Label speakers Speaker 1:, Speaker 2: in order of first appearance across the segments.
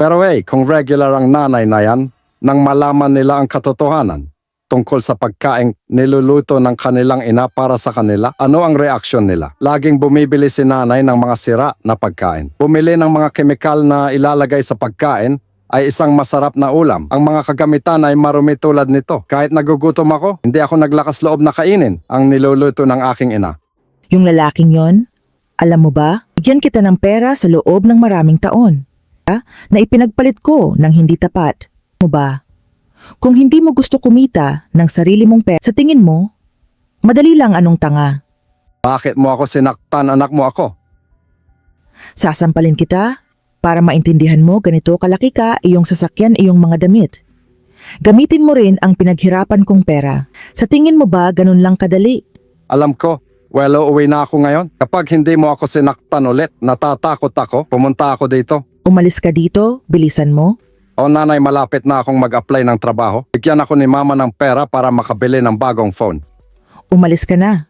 Speaker 1: Pero kung regular ang nanay na yan, nang malaman nila ang katotohanan tungkol sa pagkain niluluto ng kanilang ina para sa kanila, ano ang reaksyon nila? Laging bumibili si nanay ng mga sira na pagkain. Bumili ng mga kemikal na ilalagay sa pagkain ay isang masarap na ulam. Ang mga kagamitan ay marumi tulad nito. Kahit nagugutom ako, hindi ako naglakas loob na kainin ang niluluto ng aking ina.
Speaker 2: Yung lalaking yon, alam mo ba, bigyan kita ng pera sa loob ng maraming taon. Na ipinagpalit ko ng hindi tapat. Mo ba? Kung hindi mo gusto kumita ng sarili mong pera, sa tingin mo, madali lang anong tanga.
Speaker 1: Bakit mo ako sinaktan, anak mo ako?
Speaker 2: Sasampalin kita para maintindihan mo ganito kalaki ka, iyong sasakyan, iyong mga damit. Gamitin mo rin ang pinaghirapan kong pera. Sa tingin mo ba ganun lang kadali?
Speaker 1: Alam ko, uuwi na ako ngayon. Kapag hindi mo ako sinaktan ulit, natatakot ako, pumunta ako dito.
Speaker 2: Umalis ka dito, bilisan mo.
Speaker 1: O nanay, malapit na akong mag-apply ng trabaho. Bigyan ako ni mama ng pera para makabili ng bagong phone.
Speaker 2: Umalis ka na.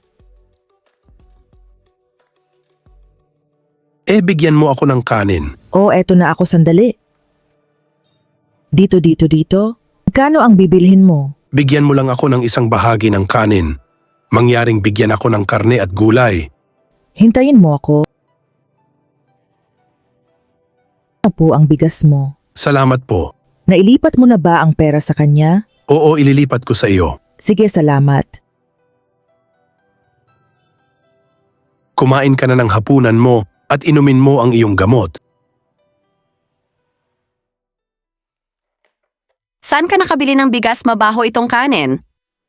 Speaker 3: Bigyan mo ako ng kanin.
Speaker 2: Eto na ako sandali. Dito. Kano ang bibilhin mo?
Speaker 3: Bigyan mo lang ako ng isang bahagi ng kanin. Mangyaring bigyan ako ng karne at gulay.
Speaker 2: Hintayin mo ako. Ano po ang bigas mo?
Speaker 3: Salamat po.
Speaker 2: Nailipat mo na ba ang pera sa kanya?
Speaker 3: Oo, ililipat ko sa iyo.
Speaker 2: Sige, salamat.
Speaker 3: Kumain ka na ng hapunan mo at inumin mo ang iyong gamot.
Speaker 4: Saan ka nakabili ng bigas mabaho itong kanin?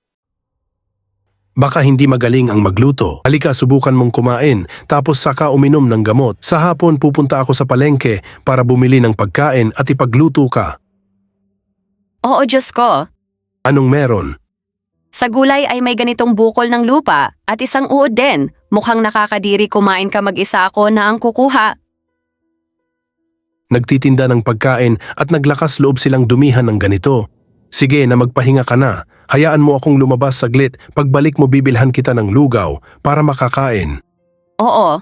Speaker 3: Baka hindi magaling ang magluto. Halika, subukan mong kumain, tapos saka uminom ng gamot. Sa hapon pupunta ako sa palengke para bumili ng pagkain at ipagluto ka.
Speaker 4: Oo, Diyos ko.
Speaker 3: Anong meron?
Speaker 4: Sa gulay ay may ganitong bukol ng lupa at isang uod din. Mukhang nakakadiri kumain ka mag-isa, ako na ang kukuha.
Speaker 3: Nagtitinda ng pagkain at naglakas loob silang dumihan ng ganito. Sige na, magpahinga ka na. Hayaan mo akong lumabas saglit. Pagbalik mo bibilhan kita ng lugaw para makakain.
Speaker 4: Oo.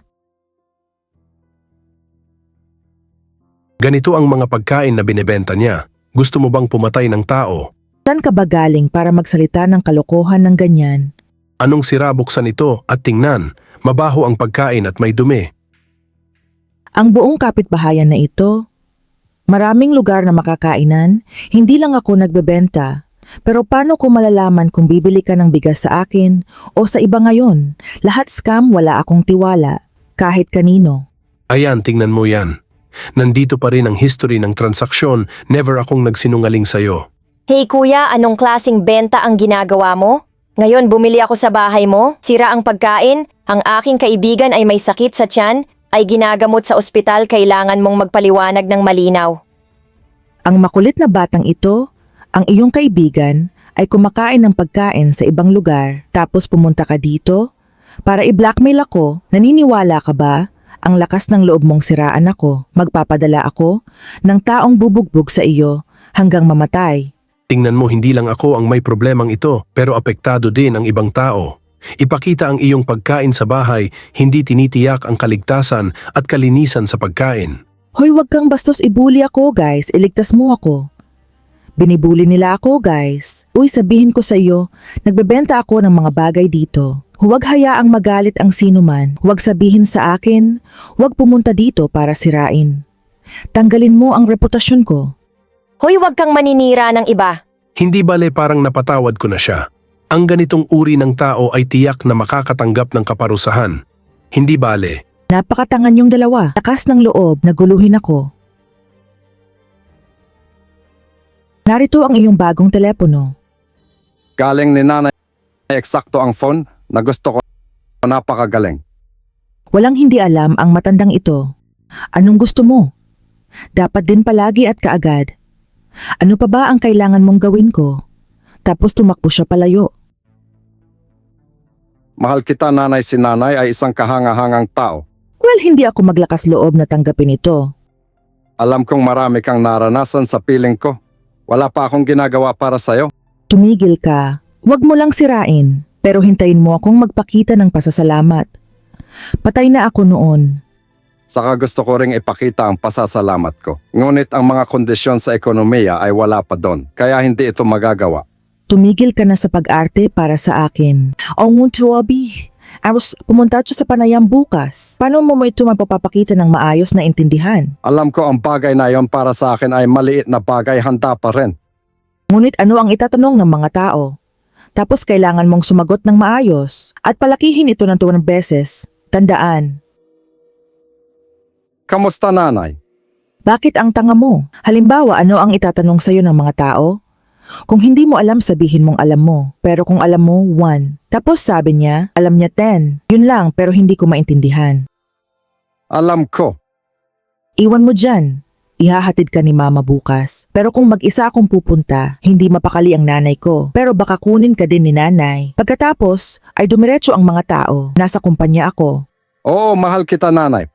Speaker 3: Ganito ang mga pagkain na binebenta niya. Gusto mo bang pumatay ng tao?
Speaker 2: Saan ka ba galing para magsalita ng kalokohan ng ganyan?
Speaker 3: Anong sira, buksan ito at tingnan. Mabaho ang pagkain at may dumi.
Speaker 2: Ang buong kapitbahayan na ito, maraming lugar na makakainan, hindi lang ako nagbebenta. Pero paano ko malalaman kung bibili ka ng bigas sa akin o sa iba ngayon? Lahat scam, wala akong tiwala, kahit kanino.
Speaker 3: Ayan, tingnan mo yan. Nandito pa rin ang history ng transaksyon, never akong nagsinungaling sa'yo.
Speaker 5: Hey kuya, anong klaseng benta ang ginagawa mo? Ngayon bumili ako sa bahay mo, sira ang pagkain, ang aking kaibigan ay may sakit sa tiyan, ay ginagamot sa ospital, kailangan mong magpaliwanag ng malinaw.
Speaker 2: Ang makulit na batang ito, ang iyong kaibigan, ay kumakain ng pagkain sa ibang lugar tapos pumunta ka dito para i-blackmail ako. Naniniwala ka ba? Ang lakas ng loob mong siraan ako. Magpapadala ako ng taong bubugbog sa iyo hanggang mamatay.
Speaker 3: Tingnan mo, hindi lang ako ang may problemang ito, pero apektado din ang ibang tao. Ipakita ang iyong pagkain sa bahay, hindi tinitiyak ang kaligtasan at kalinisan sa pagkain.
Speaker 2: Hoy, wag kang bastos ibuli ako, guys. Iligtas mo ako. Binibuli nila ako, guys. Uy, sabihin ko sa iyo, nagbebenta ako ng mga bagay dito. Huwag hayaang magalit ang sinuman. Huwag sabihin sa akin, huwag pumunta dito para sirain. Tanggalin mo ang reputasyon ko.
Speaker 5: Hoy, wag kang maninira ng iba.
Speaker 3: Hindi bale, parang napatawad ko na siya. Ang ganitong uri ng tao ay tiyak na makakatanggap ng kaparusahan. Hindi bale.
Speaker 2: Napakatangan yung dalawa. Lakas ng loob, naguluhin ako. Narito ang iyong bagong telepono.
Speaker 1: Galing ni nanay, eksakto ang phone na gusto ko, napakagaling.
Speaker 2: Walang hindi alam ang matandang ito. Anong gusto mo? Dapat din palagi at kaagad. Ano pa ba ang kailangan mong gawin ko? Tapos tumakbo siya palayo.
Speaker 1: Mahal kita, nanay. Si nanay ay isang kahanga-hangang tao.
Speaker 2: Well, hindi ako maglakas loob na tanggapin ito.
Speaker 1: Alam kong marami kang naranasan sa piling ko. Wala pa akong ginagawa para sa'yo.
Speaker 2: Tumigil ka. Huwag mo lang sirain. Pero hintayin mo akong magpakita ng pasasalamat. Patay na ako noon.
Speaker 1: Saka gusto ko ring ipakita ang pasasalamat ko. Ngunit ang mga kondisyon sa ekonomiya ay wala pa doon, kaya hindi ito magagawa.
Speaker 2: Tumigil ka na sa pag-arte para sa akin. O ngunto, Abi. Pumunta siya sa panayam bukas. Paano mo ito mapapakita ng maayos na intindihan?
Speaker 1: Alam ko ang bagay na yon para sa akin ay maliit na bagay, handa pa rin.
Speaker 2: Ngunit ano ang itatanong ng mga tao? Tapos kailangan mong sumagot ng maayos at palakihin ito ng 2 beses. Tandaan,
Speaker 1: Kamusta nanay?
Speaker 2: bakit ang tanga mo? Halimbawa, ano ang itatanong sa'yo ng mga tao? Kung hindi mo alam, sabihin mong alam mo. Pero kung alam mo, 1. Tapos sabi niya, alam niya 10. Yun lang, pero hindi ko maintindihan.
Speaker 1: Alam ko.
Speaker 2: Iwan mo dyan. Ihahatid ka ni mama bukas. Pero kung mag-isa akong pupunta, hindi mapakali ang nanay ko. Pero baka kunin ka din ni nanay. Pagkatapos, ay dumiretso ang mga tao. Nasa kumpanya ako.
Speaker 1: Oo, mahal kita nanay.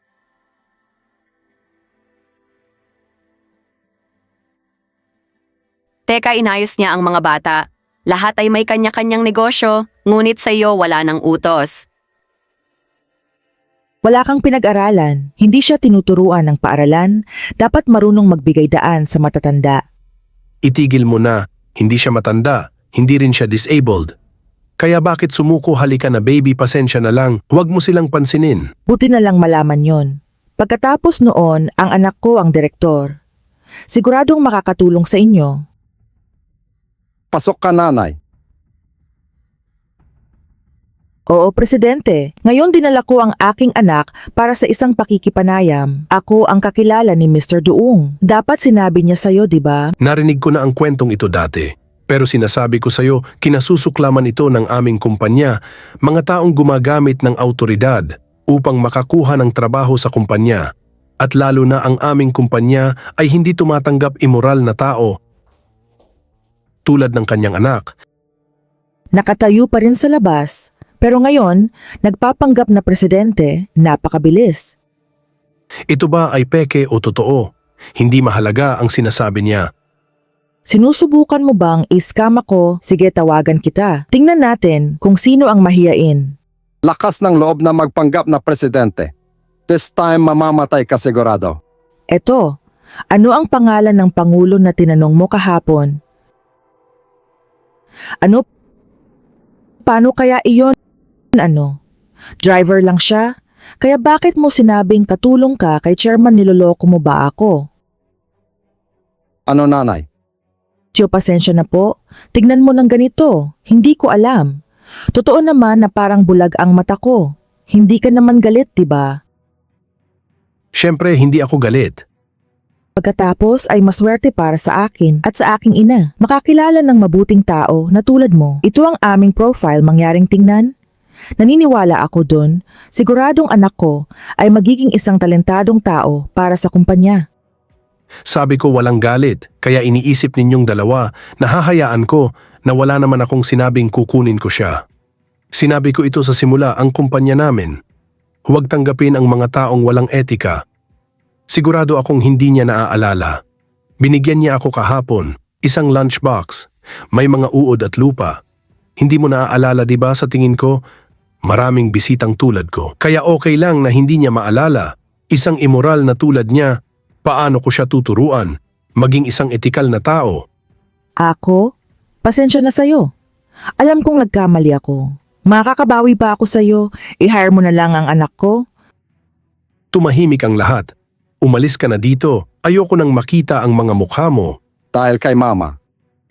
Speaker 4: Teka, inayos niya ang mga bata. Lahat ay may kanya-kanyang negosyo, ngunit sa iyo wala ng utos.
Speaker 2: Wala kang pinag-aralan. Hindi siya tinuturuan ng paaralan. Dapat marunong magbigay daan sa matatanda.
Speaker 3: Itigil mo na, hindi siya matanda, hindi rin siya disabled. Kaya bakit sumuko, halika na baby, pasensya na lang, huwag mo silang pansinin.
Speaker 2: Buti na lang malaman yon. Pagkatapos noon, ang anak ko ang direktor. Siguradong makakatulong sa inyo.
Speaker 1: Pasok ka nanay.
Speaker 2: Oo, Presidente. Ngayon dinala ko ang aking anak para sa isang pakikipanayam. Ako ang kakilala ni Mr. Duong. Dapat sinabi niya sa'yo, di ba?
Speaker 3: Narinig ko na ang kwentong ito dati. Pero sinasabi ko sa'yo, kinasusuklaman ito ng aming kumpanya, mga taong gumagamit ng autoridad upang makakuha ng trabaho sa kumpanya. At lalo na ang aming kumpanya ay hindi tumatanggap immoral na tao tulad ng kanyang anak.
Speaker 2: Nakatayo pa rin sa labas. Pero ngayon, nagpapanggap na presidente, napakabilis.
Speaker 3: Ito ba ay peke o totoo? Hindi mahalaga ang sinasabi niya.
Speaker 2: Sinusubukan mo bang i-scam ako? Sige, tawagan kita. Tingnan natin kung sino ang mahiyain.
Speaker 1: Lakas ng loob na magpanggap na presidente. This time mamamatay ka sigurado.
Speaker 2: Eto, ano ang pangalan ng pangulo na tinanong mo kahapon? Ano? Paano kaya iyon? Ano? Driver lang siya? Kaya bakit mo sinabing katulong ka kay chairman, niloloko mo ba ako?
Speaker 1: Ano nanay?
Speaker 2: Tiyo, pasensya na po. Tignan mo ng ganito. Hindi ko alam. Totoo naman na parang bulag ang mata ko. Hindi ka naman galit, diba?
Speaker 3: Siyempre, hindi ako galit.
Speaker 2: Pagkatapos ay maswerte para sa akin at sa aking ina. Makakilala ng mabuting tao na tulad mo. Ito ang aming profile, mangyaring tingnan. Naniniwala ako dun. Siguradong anak ko ay magiging isang talentadong tao para sa kumpanya.
Speaker 3: Sabi ko walang galit, kaya iniisip ninyong dalawa na hahayaan ko na wala naman akong sinabing kukunin ko siya. Sinabi ko ito sa simula, ang kumpanya namin. Huwag tanggapin ang mga taong walang etika. Sigurado akong hindi niya naaalala. Binigyan niya ako kahapon, isang lunchbox, may mga uod at lupa. Hindi mo naaalala, di ba? Sa tingin ko, maraming bisitang tulad ko. Kaya okay lang na hindi niya maalala. Isang immoral na tulad niya, paano ko siya tuturuan? Maging isang etikal na tao.
Speaker 2: Ako? Pasensya na sa'yo. Alam kong nagkamali ako. Makakabawi pa ako sa'yo. I-hire mo na lang ang anak ko.
Speaker 3: Tumahimik ang lahat. Umalis ka na dito. Ayoko nang makita ang mga mukha mo.
Speaker 1: Dahil kay mama.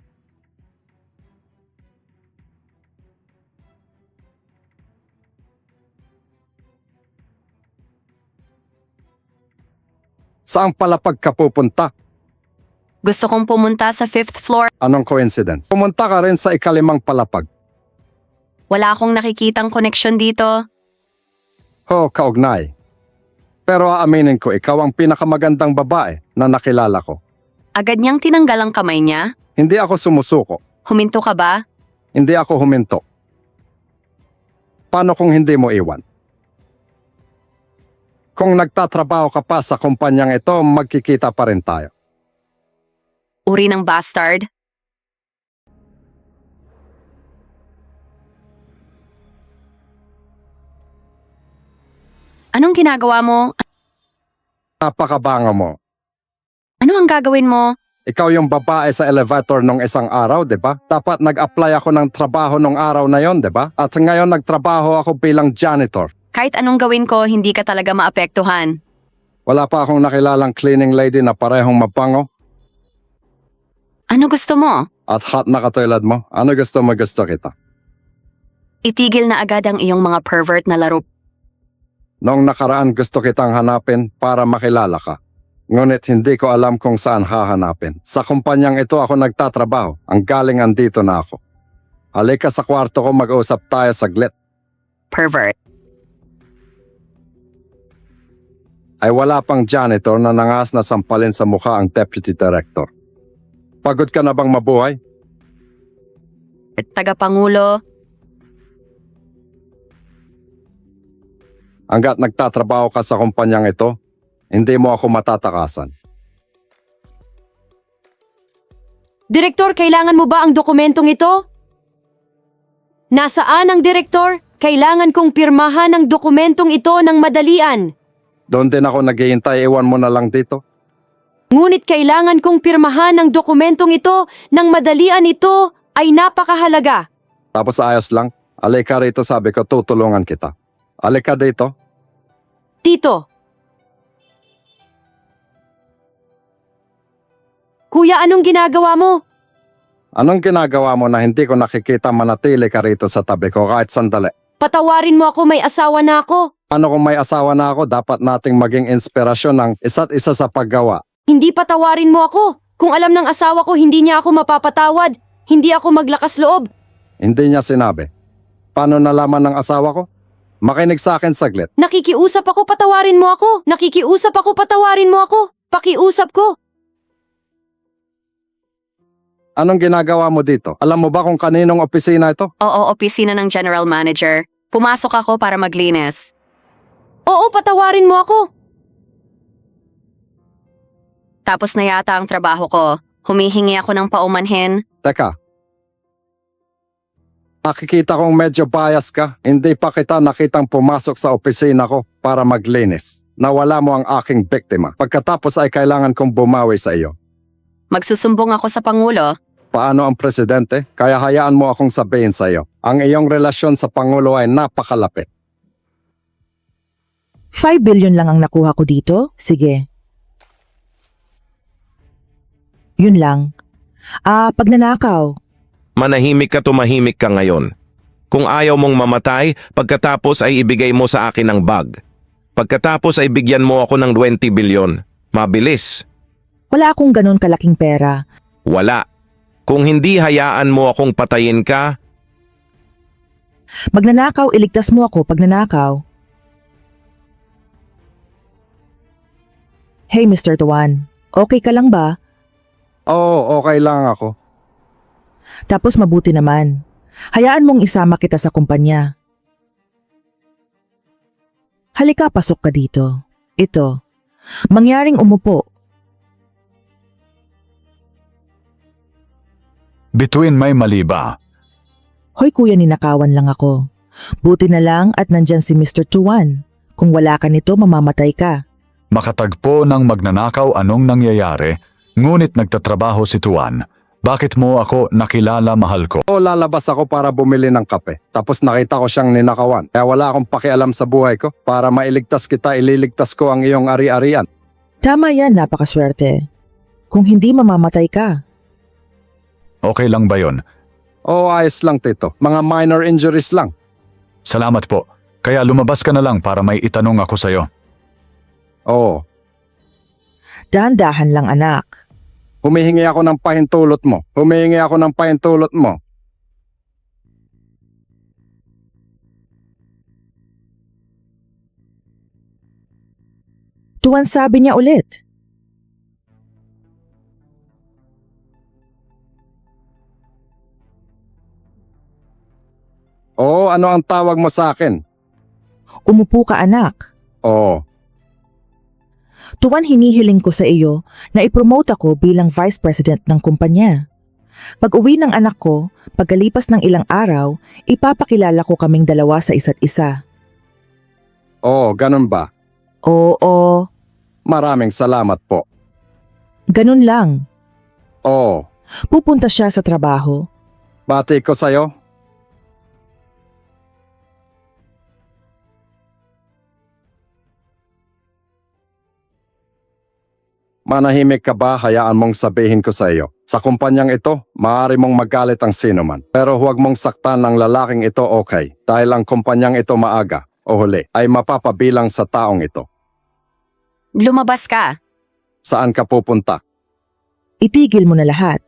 Speaker 1: Saan palapag ka pupunta?
Speaker 4: Gusto kong pumunta sa 5th floor.
Speaker 1: Anong coincidence? Pumunta ka rin sa ikalimang palapag.
Speaker 4: Wala akong nakikitang koneksyon dito.
Speaker 1: Ho, kaugnay. Pero aaminin ko, ikaw ang pinakamagandang babae na nakilala ko.
Speaker 4: Agad niyang tinanggal ang kamay niya.
Speaker 1: Hindi ako sumusuko.
Speaker 4: Huminto ka ba?
Speaker 1: Hindi ako huminto. Paano kung hindi mo iwan? Kung nagtatrabaho ka pa sa kumpanyang ito, magkikita pa rin tayo.
Speaker 4: Uri ng bastard. Anong ginagawa mo?
Speaker 1: Napakabango mo.
Speaker 4: Ano ang gagawin mo?
Speaker 1: Ikaw yung babae sa elevator nung isang araw, di ba? Dapat nag-apply ako ng trabaho nung araw na yon, di ba? At ngayon nagtrabaho ako bilang janitor.
Speaker 4: Kahit anong gawin ko, hindi ka talaga maapektuhan.
Speaker 1: Wala pa akong nakilalang cleaning lady na parehong mabango
Speaker 4: Ano gusto mo?
Speaker 1: at hot na katulad mo. Ano gusto mo, gusto kita?
Speaker 4: Itigil na agad ang iyong mga pervert na laro.
Speaker 1: Noong nakaraan gusto kitang hanapin para makilala ka. Ngunit hindi ko alam kung saan hahanapin. Sa kumpanyang ito ako nagtatrabaho. Ang galing andito na ako. Halika sa kwarto ko, mag-usap tayo saglit.
Speaker 4: Pervert.
Speaker 1: Ay wala pang janitor na nangas na sampalin sa mukha ang deputy director. Pagod ka na bang mabuhay?
Speaker 4: Tagapangulo.
Speaker 1: Hanggat nagtatrabaho ka sa kumpanyang ito, hindi mo ako matatakasan.
Speaker 6: Direktor, kailangan mo ba ang dokumentong ito? Nasaan ang direktor? Kailangan kong pirmahan ang dokumentong ito ng madalian.
Speaker 1: Doon din ako naghihintay, iwan mo na lang dito.
Speaker 6: Ngunit kailangan kong pirmahan ang dokumentong ito ng madalian, ito ay napakahalaga.
Speaker 1: Tapos ayos lang. Alika rito, sabi ko, tutulungan kita. Alika dito.
Speaker 6: Tito. Kuya, anong ginagawa mo?
Speaker 1: Anong ginagawa mo na hindi ko nakikita manatili ka rito sa tabi ko kahit sandali?
Speaker 6: Patawarin mo ako, may asawa na ako.
Speaker 1: Ano kung may asawa na ako, dapat nating maging inspirasyon ng isa't isa sa paggawa.
Speaker 6: Hindi patawarin mo ako. Kung alam ng asawa ko hindi niya ako mapapatawad, hindi ako maglakas loob.
Speaker 1: Hindi niya sinabi. Paano nalaman ng asawa ko? Makinig sa akin saglit.
Speaker 6: Nakikiusap ako, patawarin mo ako. Nakikiusap ako, patawarin mo ako. Pakiusap ko.
Speaker 1: Anong ginagawa mo dito? Alam mo ba kung kaninong opisina ito?
Speaker 4: Oo, opisina ng general manager. Pumasok ako para maglinis.
Speaker 6: Oo, patawarin mo ako.
Speaker 4: Tapos na yata ang trabaho ko. Humihingi ako ng paumanhin.
Speaker 1: Teka. Nakikita kong medyo bias ka. Hindi pa kita nakitang pumasok sa opisina ko para maglinis. Nawala mo ang aking biktima. Pagkatapos ay kailangan kong bumawi sa iyo.
Speaker 4: Magsusumbong ako sa Pangulo.
Speaker 1: Paano ang presidente? Kaya hayaan mo akong sabihin sa iyo. Ang iyong relasyon sa Pangulo ay napakalapit.
Speaker 2: 5 billion lang ang nakuha ko dito? Sige. Yun lang. Pagnanakaw.
Speaker 7: Manahimik ka, tumahimik ka ngayon. Kung ayaw mong mamatay, pagkatapos ay ibigay mo sa akin ang bag. Pagkatapos ay bigyan mo ako ng 20 bilyon. Mabilis.
Speaker 2: Wala akong ganon kalaking pera.
Speaker 7: Wala. Kung hindi hayaan mo akong patayin ka,
Speaker 2: Magnanakaw, iligtas mo ako pag nanakaw. Hey Mr. Tuan, okay ka lang ba?
Speaker 1: Oo, okay lang ako.
Speaker 2: Tapos mabuti naman. Hayaan mong isama kita sa kumpanya. Halika, pasok ka dito. Ito. Mangyaring umupo.
Speaker 8: Bituin may mali ba?
Speaker 2: Hoy kuya, ninakawan lang ako. Buti na lang at nandyan si Mr. Tuan. Kung wala ka nito, mamamatay ka.
Speaker 8: Makatagpo ng magnanakaw anong nangyayari, ngunit nagtatrabaho si Tuan. Bakit mo ako nakilala, mahal ko?
Speaker 1: O lalabas ako para bumili ng kape. Tapos nakita ko siyang ninakawan. Kaya wala akong pakialam sa buhay ko. Para mailigtas kita, ililigtas ko ang iyong ari-arian.
Speaker 2: Tama yan, napakaswerte. Kung hindi, mamamatay ka.
Speaker 8: Okay lang ba yon?
Speaker 1: Oo, ayos lang tito. Mga minor injuries lang.
Speaker 8: Salamat po. Kaya lumabas ka na lang para may itanong ako sa'yo.
Speaker 1: Oo.
Speaker 2: Dahan-dahan lang anak.
Speaker 1: Humihingi ako ng pahintulot mo. Humihingi ako ng pahintulot mo.
Speaker 2: Tuan, sabi niya ulit.
Speaker 1: Oo, ano ang tawag mo sa akin?
Speaker 2: Umupo ka anak.
Speaker 1: Oo.
Speaker 2: Tuwan, hinihiling ko sa iyo na ipromote ako bilang vice president ng kumpanya. Pag uwi ng anak ko, pagkalipas ng ilang araw, ipapakilala ko kaming dalawa sa isa't isa.
Speaker 1: Oo, ganun ba?
Speaker 2: Oo,
Speaker 1: Maraming salamat po.
Speaker 2: Ganun lang.
Speaker 1: Oo,
Speaker 2: Pupunta siya sa trabaho.
Speaker 1: bati ko sa'yo. Manahimik ka ba, hayaan mong sabihin ko sa iyo. Sa kumpanyang ito, maaari mong magalit ang sino man. Pero huwag mong saktan ng lalaking ito, okay? Dahil ang kumpanyang ito maaga o huli ay mapapabilang sa taong ito.
Speaker 4: Lumabas ka.
Speaker 1: Saan ka pupunta?
Speaker 2: Itigil mo na lahat.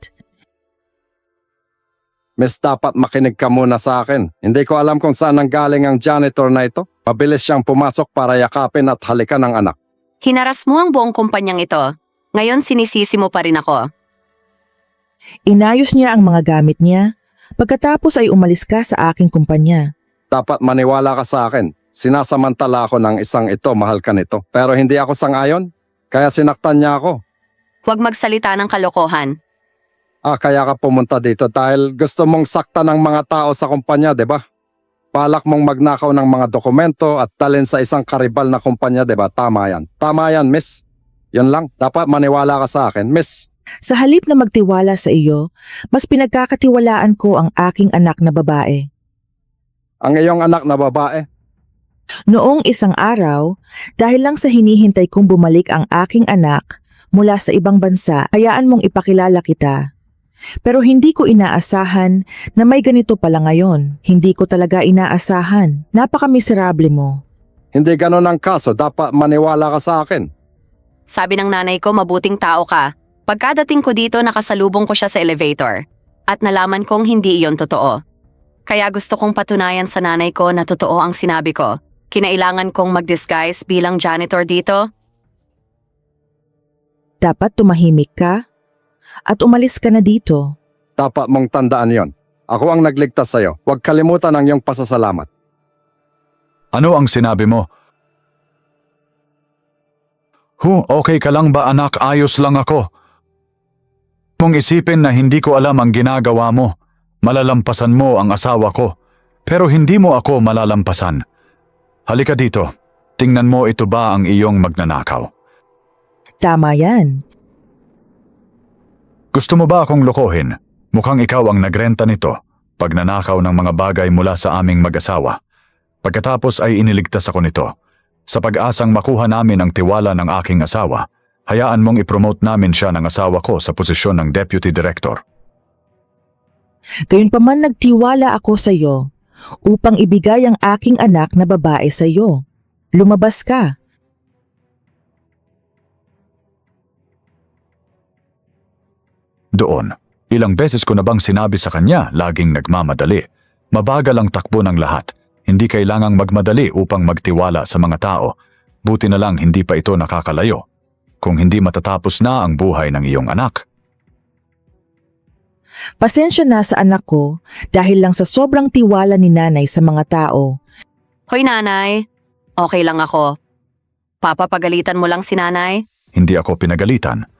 Speaker 1: Miss, dapat makinig ka muna sa akin. Hindi ko alam kung saan nanggaling ang janitor na ito. Mabilis siyang pumasok para yakapin at halikan ng anak.
Speaker 4: Hinaras mo ang buong kumpanyang ito. Ngayon sinisisi mo pa rin ako.
Speaker 2: Inayos niya ang mga gamit niya. Pagkatapos ay umalis ka sa aking kumpanya.
Speaker 1: Dapat maniwala ka sa akin. Sinasamantala ako ng isang ito, mahal ka nito. Pero hindi ako sang-ayon. Kaya sinaktan niya ako.
Speaker 4: Huwag magsalita ng kalokohan.
Speaker 1: Kaya ka pumunta dito dahil gusto mong sakta ng mga tao sa kumpanya, di ba? Balak mong magnakaw ng mga dokumento at dalhin sa isang karibal na kumpanya, di ba? Tama yan. Tama yan, miss. Yun lang. Dapat maniwala ka sa akin, miss.
Speaker 2: Sa halip na magtiwala sa iyo, mas pinagkakatiwalaan ko ang aking anak na babae.
Speaker 1: Ang iyong anak na babae,
Speaker 2: Noong isang araw, dahil lang sa hinihintay kong bumalik ang aking anak mula sa ibang bansa, hayaan mong ipakilala kita. Pero hindi ko inaasahan na may ganito pala ngayon. Hindi ko talaga inaasahan. Napaka-miserable mo.
Speaker 1: hindi ganun ang kaso. Dapat maniwala ka sa akin.
Speaker 4: Sabi ng nanay ko, mabuting tao ka. Pagkadating ko dito, nakasalubong ko siya sa elevator. At nalaman kong hindi iyon totoo. Kaya gusto kong patunayan sa nanay ko na totoo ang sinabi ko. Kinailangan kong mag-disguise bilang janitor dito.
Speaker 2: Dapat tumahimik ka at umalis ka na dito.
Speaker 1: Dapat mong tandaan yon. Ako ang nagligtas sa'yo. Huwag kalimutan ang iyong pasasalamat.
Speaker 8: Ano ang sinabi mo? Okay ka lang ba anak? Ayos lang ako. Kung isipin na hindi ko alam ang ginagawa mo, malalampasan mo ang asawa ko. Pero hindi mo ako malalampasan. Halika dito. Tingnan mo, ito ba ang iyong magnanakaw?
Speaker 2: Tama yan.
Speaker 8: Gusto mo ba akong lokohin? Mukhang ikaw ang nagrenta nito. Pagnanakaw ng mga bagay mula sa aming mag-asawa. Pagkatapos ay iniligtas ako nito. Sa pag-asang makuha namin ang tiwala ng aking asawa, hayaan mong ipromote namin siya ng asawa ko sa posisyon ng Deputy Director.
Speaker 2: Gayunpaman nagtiwala ako sa iyo upang ibigay ang aking anak na babae sa iyo. Lumabas ka.
Speaker 8: Doon, ilang beses ko na bang sinabi sa kanya laging nagmamadali. Mabagal ang takbo ng lahat. Hindi kailangang magmadali upang magtiwala sa mga tao. Buti na lang hindi pa ito nakakalayo. Kung hindi matatapos na ang buhay ng iyong anak.
Speaker 2: Pasensya na sa anak ko dahil lang sa sobrang tiwala ni nanay sa mga tao.
Speaker 4: Hoy nanay, okay lang ako. Papapagalitan mo lang si nanay?
Speaker 8: Hindi ako pinagalitan.